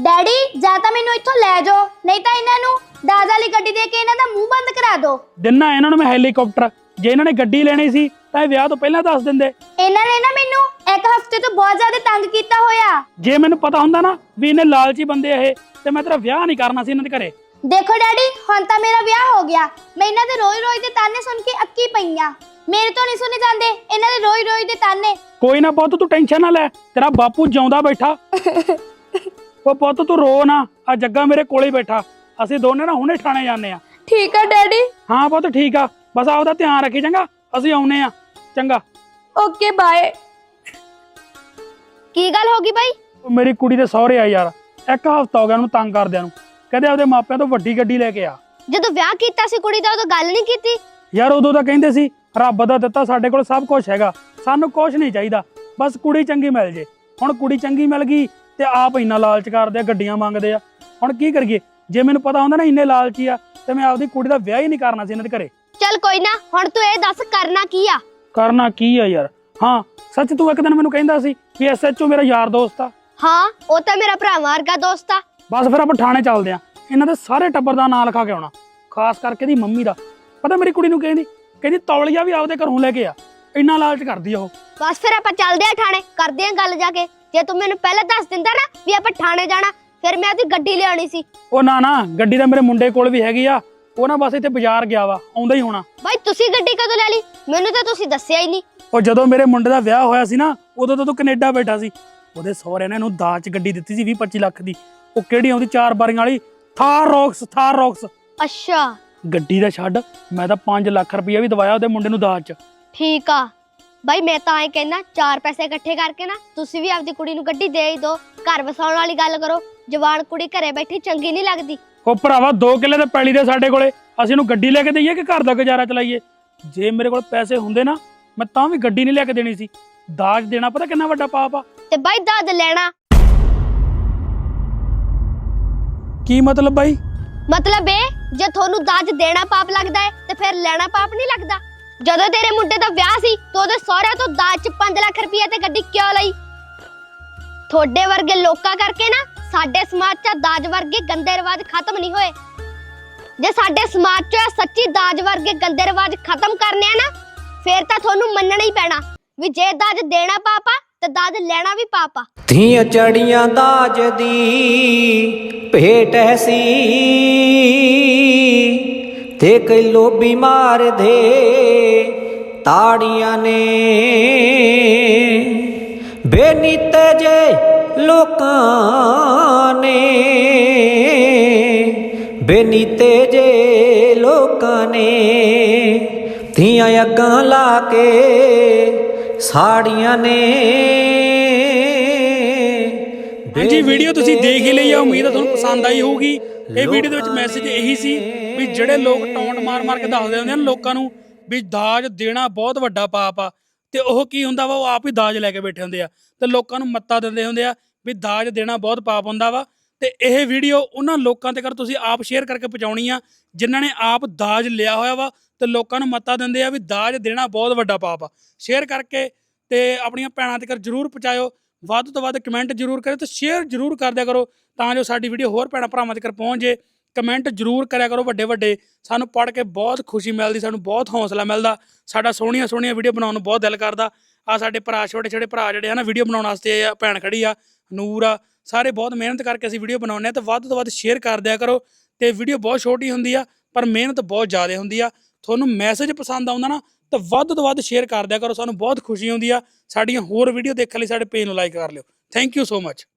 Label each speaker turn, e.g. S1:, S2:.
S1: Daddy ਜਾਂ ਤਾਂ ਮੈਨੂੰ ਇੱਥੋਂ ਲੈ ਜਾਓ, ਨਹੀਂ ਤਾਂ ਇਹਨਾਂ ਨੂੰ ਦਾਜ ਵਾਲੀ ਗੱਡੀ ਦੇ ਕੇ ਇਹਨਾਂ ਦਾ ਮੂੰਹ ਬੰਦ ਕਰਾ ਦਿਓ।
S2: ਦਿਨਾ ਇਹਨਾਂ ਨੂੰ ਮੈਂ ਹੈਲੀਕਾਪਟਰ, ਜੇ ਇਹਨਾਂ ਨੇ ਗੱਡੀ ਲੈਣੀ ਸੀ ਤਾਂ ਇਹ ਵਿਆਹ ਤੋਂ ਪਹਿਲਾਂ ਦੱਸ ਦਿੰਦੇ।
S1: ਇਹਨਾਂ ਨੇ ਨਾ ਮੈਨੂੰ ਇੱਕ ਹਫ਼ਤੇ ਤੋਂ ਬਹੁਤ ਜ਼ਿਆਦਾ ਤੰਗ ਕੀਤਾ ਹੋਇਆ।
S2: ਜੇ ਮੈਨੂੰ ਪਤਾ ਹੁੰਦਾ ਨਾ ਵੀ ਇਹਨੇ ਲਾਲਚੀ ਬੰਦੇ ਇਹ, ਤੇ ਮੈਂ ਤੇਰਾ ਵਿਆਹ ਨਹੀਂ ਕਰਨਾ ਸੀ ਇਹਨਾਂ ਦੇ ਘਰੇ।
S1: ਦੇਖੋ ਡੈਡੀ, ਹੁਣ ਤਾਂ ਮੇਰਾ ਵਿਆਹ ਹੋ ਗਿਆ, ਮੈਂ ਇਹਨਾਂ ਦੇ ਰੋਜ਼-ਰੋਜ਼ ਦੇ ਤਾਨੇ ਸੁਣ ਕੇ ਅੱਕੀ ਪਈਆਂ। ਮੇਰੇ ਤੋਂ ਨਹੀਂ ਸੁਣੇ ਜਾਂਦੇ ਇਹਨਾਂ ਦੇ ਰੋਜ਼-ਰੋਜ਼ ਦੇ ਤਾਨੇ।
S2: ਕੋਈ ਨਾ ਪੁੱਤ, ਤੂੰ ਟੈਨਸ਼ਨ ਨਾ ਲੈ, ਤੇਰਾ ਬਾਪੂ ਜਿਉਂਦਾ ਬੈਠਾ। ਉਹ ਪੁੱਤ ਤੂੰ ਰੋ ਨਾ, ਆ ਜੱਗਾ ਮੇਰੇ ਕੋਲੇ ਬੈਠਾ, ਅਸੀਂ ਦੋਨੇ ਨਾ ਹੁਣੇ ਠਾਣੇ ਜਾਂਦੇ ਆ।
S1: ਠੀਕ ਆ ਡੈਡੀ।
S2: ਹਾਂ ਪੁੱਤ ਠੀਕ ਆ, ਬਸ ਆਪਦਾ ਧਿਆਨ ਰੱਖੀ ਚੰਗਾ, ਅਸੀਂ ਆਉਨੇ ਆ। ਚੰਗਾ
S1: ਓਕੇ ਬਾਏ। ਕੀ ਗੱਲ ਹੋ ਗਈ ਬਾਈ?
S2: ਉਹ ਮੇਰੀ ਕੁੜੀ ਦੇ ਸਹੁਰੇ ਆ ਯਾਰ, ਇੱਕ ਹਫ਼ਤਾ ਹੋ ਗਿਆ ਉਹਨੂੰ ਤੰਗ ਕਰਦਿਆਂ ਨੂੰ। ਕਹਿੰਦੇ ਆਪਦੇ ਮਾਪਿਆਂ ਤੋਂ ਵੱਡੀ ਗੱਡੀ ਲੈ ਕੇ ਆ।
S1: ਜਦੋਂ ਵਿਆਹ ਕੀਤਾ ਸੀ ਕੁੜੀ ਦਾ ਉਦੋਂ ਗੱਲ ਨਹੀਂ ਕੀਤੀ?
S2: ਯਾਰ ਉਦੋਂ ਤਾਂ ਕਹਿੰਦੇ ਸੀ ਰੱਬ ਦਾ ਦਿੱਤਾ ਸਾਡੇ ਕੋਲ ਸਭ ਕੁਝ ਹੈਗਾ, ਸਾਨੂੰ ਕੁਝ ਨਹੀਂ ਚਾਹੀਦਾ, ਬਸ ਕੁੜੀ ਚੰਗੀ ਮਿਲ ਜੇ। ਹੁਣ ਕੁੜੀ ਚੰਗੀ ਮਿਲ ਗਈ ਤੇ ਆਪ ਇੰਨਾ ਲਾਲਚ ਕਰਦੇ ਆ, ਗੱਡੀਆਂ ਮੰਗਦੇ ਆ। ਹੁਣ ਕੀ ਕਰੀਏ? ਜੇ ਮੈਨੂੰ ਪਤਾ ਹੁੰਦਾ ਨਾ ਇੰਨੇ ਲਾਲਚੀ ਆ ਤੇ ਮੈਂ ਆਪਦੀ ਕੁੜੀ ਦਾ ਵਿਆਹ ਹੀ ਨਹੀਂ ਕਰਨਾ ਸੀ ਇਹਨਾਂ ਦੇ ਘਰੇ।
S1: ਚੱਲ ਕੋਈ ਨਾ, ਹੁਣ ਤੂੰ ਇਹ ਦੱਸ ਕਰਨਾ ਕੀ ਆ?
S2: ਕਰਨਾ ਕੀ ਆ ਯਾਰ? ਹਾਂ ਸੱਚ, ਤੂੰ ਇੱਕ ਦਿਨ ਮੈਨੂੰ ਕਹਿੰਦਾ ਸੀ ਵੀ SHO ਮੇਰਾ ਯਾਰ ਦੋਸਤ ਆ।
S1: ਹਾਂ, ਉਹ ਤਾਂ ਮੇਰਾ ਭਰਾ ਵਰਗਾ ਦੋਸਤ ਆ।
S2: ਬਸ ਫਿਰ ਆਪਾਂ ਥਾਣੇ ਚੱਲਦੇ ਆ, ਇਹਨਾਂ ਦੇ ਸਾਰੇ ਟੱਬਰ ਦਾ ਨਾਂ ਲਿਖਾ ਕੇ ਆਉਣਾ, ਖਾਸ ਕਰਕੇ ਦੀ ਮੰਮੀ ਦਾ। ਪਤਾ ਮੇਰੀ ਕੁੜੀ ਨੂੰ ਕਹਿੰਦੀ ਤੌਲੀਆ ਵੀ ਆਪਦੇ ਘਰੋਂ ਲੈ ਕੇ ਆ, ਇੰਨਾ ਲਾਲਚ ਕਰਦੀ ਆ ਉਹ।
S1: ਬਸ ਫਿਰ ਆਪਾਂ ਚੱਲਦੇ ਆ ਥਾਣੇ, ਕਰਦੇ ਆ ਗੱਲ ਜਾ ਕੇ। ਜੇ ਤੂੰ ਮੈਨੂੰ ਪਹਿਲਾਂ ਦੱਸ ਦਿੰਦਾ ਨਾ ਵੀ ਆਪਾਂ ਥਾਣੇ ਜਾਣਾ, ਫਿਰ ਮੈਂ ਉਹਦੀ ਗੱਡੀ ਲਿਆਉਣੀ ਸੀ।
S2: ਉਹ ਨਾ ਗੱਡੀ ਤਾਂ ਮੇਰੇ ਮੁੰਡੇ ਕੋਲ ਵੀ ਹੈਗੀ ਆ, ਉਹ ਨਾ ਬਸ ਇੱਥੇ ਬਾਜ਼ਾਰ ਗਿਆ ਵਾ, ਆਉਂਦਾ ਹੀ ਹੋਣਾ।
S1: ਬਾਈ ਤੁਸੀਂ ਗੱਡੀ ਕਦੋਂ ਲੈ ਲਈ? ਮੈਨੂੰ ਤਾਂ ਤੁਸੀਂ ਦੱਸਿਆ ਹੀ ਨਹੀਂ।
S2: ਉਹ ਜਦੋਂ ਮੇਰੇ ਮੁੰਡੇ ਦਾ ਵਿਆਹ ਹੋਇਆ ਸੀ ਨਾ, ਉਦੋਂ ਤਾਂ ਤੂੰ ਕੈਨੇਡਾ ਬੈਠਾ ਸੀ। ਉਹਦੇ ਸਹੁਰਿਆਂ ਨੇ ਇਹਨੂੰ ਦਾਜ 'ਚ ਗੱਡੀ ਦਿੱਤੀ ਸੀ 20-25 ਲੱਖ ਦੀ। ਉਹ ਕਿਹੜੀ ਆਉਂਦੀ 4 ਬਾਰੀਆਂ ਵਾਲੀ ਥਾਰ ਰੌਕਸ।
S1: ਅੱਛਾ,
S2: ਗੱਡੀ ਦਾ ਛੱਡ, ਮੈਂ ਤਾਂ 5 ਲੱਖ ਰੁਪਇਆ ਵੀ ਦਵਾਇਆ ਉਹਦੇ ਮੁੰਡੇ ਨੂੰ ਦਾਜ 'ਚ।
S1: ਠੀਕ ਆ ਬਾਈ, ਮੈਂ ਤਾਂ ਐ ਕਹਿਣਾ 4 ਪੈਸੇ ਇਕੱਠੇ ਕਰਕੇ ਨਾ ਤੁਸੀਂ ਵੀ ਆਪਦੀ ਕੁੜੀ ਨੂੰ ਗੱਡੀ ਦੇ ਹੀ ਦਿਓ। ਘਰ ਵਸਾਉਣ ਵਾਲੀ ਗੱਲ ਕਰੋ, ਜਵਾਨ ਕੁੜੀ ਘਰੇ ਬੈਠੀ ਚੰਗੀ ਨਹੀਂ ਲੱਗਦੀ।
S2: ਉਹ ਭਰਾਵਾ 2 ਕਿੱਲੇ ਤੇ ਪੈਲੀ ਦੇ ਸਾਡੇ ਕੋਲੇ, ਅਸੀਂ ਇਹਨੂੰ ਗੱਡੀ ਲੈ ਕੇ ਦਈਏ ਕਿ ਘਰ ਦਾ ਗੁਜ਼ਾਰਾ ਚਲਾਈਏ? ਜੇ ਮੇਰੇ ਕੋਲ ਪੈਸੇ ਹੁੰਦੇ ਨਾ, ਮੈਂ ਤਾਂ ਵੀ ਗੱਡੀ ਨਹੀਂ ਲੈ ਕੇ ਦੇਣੀ ਸੀ। ਦਾਜ ਦੇਣਾ ਪਤਾ ਕਿੰਨਾ ਵੱਡਾ ਪਾਪ ਆ?
S1: ਤੇ ਬਾਈ ਦਾਜ ਲੈਣਾ
S2: ਕੀ ਮਤਲਬ ਬਾਈ?
S1: ਮਤਲਬ ਇਹ, ਜੇ ਤੁਹਾਨੂੰ ਦਾਜ ਦੇਣਾ ਪਾਪ ਲੱਗਦਾ ਹੈ ਤੇ ਫਿਰ ਲੈਣਾ ਪਾਪ ਨਹੀਂ ਲੱਗਦਾ? ਜਦੋਂ ਤੇਰੇ ਮੁੰਡੇ ਦਾ ਵਿਆਹ ਸੀ ਤਾਂ ਉਹਦੇ ਸਹੁਰਿਆਂ ਤੋਂ ਦਾਜ 'ਚ 5 ਲੱਖ ਰੁਪਏ ਤੇ ਗੱਡੀ ਕਿਉਂ ਲਈ? ਤੁਹਾਡੇ ਵਰਗੇ ਲੋਕਾਂ ਕਰਕੇ ਨਾ ਸਾਡੇ ਸਮਾਜ 'ਚ ਦਾਜ ਵਰਗੇ ਗੰਦੇ ਰਿਵਾਜ ਖਤਮ ਨਹੀਂ ਹੋਏ। ਜੇ ਸਾਡੇ ਸਮਾਜ 'ਚ ਸੱਚੀ ਦਾਜ ਵਰਗੇ ਗੰਦੇ ਰਿਵਾਜ ਖਤਮ ਕਰਨੇ ਆ ਨਾ, ਫਿਰ ਤਾਂ ਤੁਹਾਨੂੰ ਮੰਨਣਾ ਹੀ ਪੈਣਾ ਵੀ ਜੇ ਦਾਜ ਦੇਣਾ ਪਾਪ ਆ ਤੇ ਦਾਜ ਲੈਣਾ ਵੀ ਪਾਪ ਆ।
S3: ਧੀਆਂ ਚੜੀਆਂ ਦਾਜ ਦੀ ਭੇਟ ਐਸੀ, ਤੇ ਕਈ ਲੋਭੀ ਮਾਰਦੇ ਤਾੜੀਆਂ ਨੇ। ਬੇਨੀਤੇ ਜੇ ਲੋਕਾਂ ਨੇ, ਬੇਨੀਤੇ ਜੇ ਲੋਕਾਂ ਨੇ, ਧੀਆਂ ਅੱਗਾਂ ਲਾ ਕੇ ਸਾੜੀਆਂ ਨੇ।
S2: ਹਾਂਜੀ, ਵੀਡੀਓ ਤੁਸੀਂ ਦੇਖ ਹੀ ਲਈ ਆ, ਉਮੀਦ ਆ ਤੁਹਾਨੂੰ ਪਸੰਦ ਆਈ ਹੋਊਗੀ। ਇਹ ਵੀਡੀਓ ਦੇ ਵਿੱਚ ਮੈਸੇਜ ਇਹੀ ਸੀ ਵੀ ਜਿਹੜੇ ਲੋਕ ਟੌਂਟ ਮਾਰ ਕੇ ਦੱਸਦੇ ਹੁੰਦੇ ਨੇ ਲੋਕਾਂ ਨੂੰ ਵੀ ਦਾਜ ਦੇਣਾ ਬਹੁਤ ਵੱਡਾ ਪਾਪ ਆ, ਤੇ ਉਹ ਕੀ ਹੁੰਦਾ ਵਾ, ਉਹ ਆਪ ਹੀ ਦਾਜ ਲੈ ਕੇ ਬੈਠੇ ਹੁੰਦੇ ਆ ਤੇ ਲੋਕਾਂ ਨੂੰ ਮੱਤਾ ਦਿੰਦੇ ਹੁੰਦੇ ਆ ਵੀ ਦਾਜ ਦੇਣਾ ਬਹੁਤ ਪਾਪ ਹੁੰਦਾ ਵਾ। ਤੇ ਇਹ ਵੀਡੀਓ ਉਹਨਾਂ ਲੋਕਾਂ ਤੱਕ ਤੁਸੀਂ ਆਪ ਸ਼ੇਅਰ ਕਰਕੇ ਪਹੁੰਚਾਉਣੀ ਆ ਜਿਨ੍ਹਾਂ ਨੇ ਆਪ ਦਾਜ ਲਿਆ ਹੋਇਆ ਵਾ ਤੇ ਲੋਕਾਂ ਨੂੰ ਮੱਤਾ ਦਿੰਦੇ ਆ ਵੀ ਦਾਜ ਦੇਣਾ ਬਹੁਤ ਵੱਡਾ ਪਾਪ ਆ। ਸ਼ੇਅਰ ਕਰਕੇ ਤੇ ਆਪਣੀਆਂ ਭੈਣਾਂ ਤੱਕ ਜ਼ਰੂਰ ਪਹੁੰਚਾਇਓ, ਵੱਧ ਤੋਂ ਵੱਧ ਕਮੈਂਟ ਜ਼ਰੂਰ ਕਰਿਓ ਤੇ ਸ਼ੇਅਰ ਜ਼ਰੂਰ ਕਰ ਦਿਆ ਕਰੋ ਤਾਂ ਜੋ ਸਾਡੀ ਵੀਡੀਓ ਹੋਰ ਭੈਣਾਂ ਭਰਾਵਾਂ ਤੱਕ ਪਹੁੰਚ ਜੇ। ਕਮੈਂਟ ਜ਼ਰੂਰ ਕਰਿਆ ਕਰੋ ਵੱਡੇ, ਸਾਨੂੰ ਪੜ੍ਹ ਕੇ ਬਹੁਤ ਖੁਸ਼ੀ ਮਿਲਦੀ, ਸਾਨੂੰ ਬਹੁਤ ਹੌਸਲਾ ਮਿਲਦਾ, ਸਾਡਾ ਸੋਹਣੀਆਂ ਵੀਡੀਓ ਬਣਾਉਣ ਨੂੰ ਬਹੁਤ ਦਿਲ ਕਰਦਾ। ਆ ਸਾਡੇ ਭਰਾ, ਛੋਟੇ ਭਰਾ ਜਿਹੜੇ ਆ ਨਾ ਵੀਡੀਓ ਬਣਾਉਣ ਵਾਸਤੇ, ਆ ਭੈਣ ਖੜੀ ਆ, ਨੂਰ ਆ, ਸਾਰੇ ਬਹੁਤ ਮਿਹਨਤ ਕਰਕੇ ਅਸੀਂ ਵੀਡੀਓ ਬਣਾਉਂਦੇ ਆ। ਤੇ ਵੱਧ ਤੋਂ ਵੱਧ ਸ਼ੇਅਰ ਕਰ ਦਿਆ ਕਰੋ। ਤੇ ਵੀਡੀਓ ਬਹੁਤ ਛੋਟੀ ਹੁੰਦੀ ਆ ਪਰ ਮਿਹਨਤ ਬਹੁਤ ਜ਼ਿਆਦਾ ਹੁੰਦੀ ਆ। ਤੁਹਾਨੂੰ ਮੈਸੇਜ ਪਸੰਦ ਆਉਂਦਾ ਨਾ ਤਾਂ ਵੱਧ ਤੋਂ ਵੱਧ ਸ਼ੇਅਰ ਕਰ ਦਿਆ ਕਰੋ, ਸਾਨੂੰ ਬਹੁਤ ਖੁਸ਼ੀ ਹੁੰਦੀ ਆ। ਸਾਡੀਆਂ ਹੋਰ ਵੀਡੀਓ ਦੇਖਣ ਲਈ ਸਾਡੇ ਪੇਜ ਨੂੰ ਲਾਈਕ ਕਰ ਲਿਓ। Thank you so much.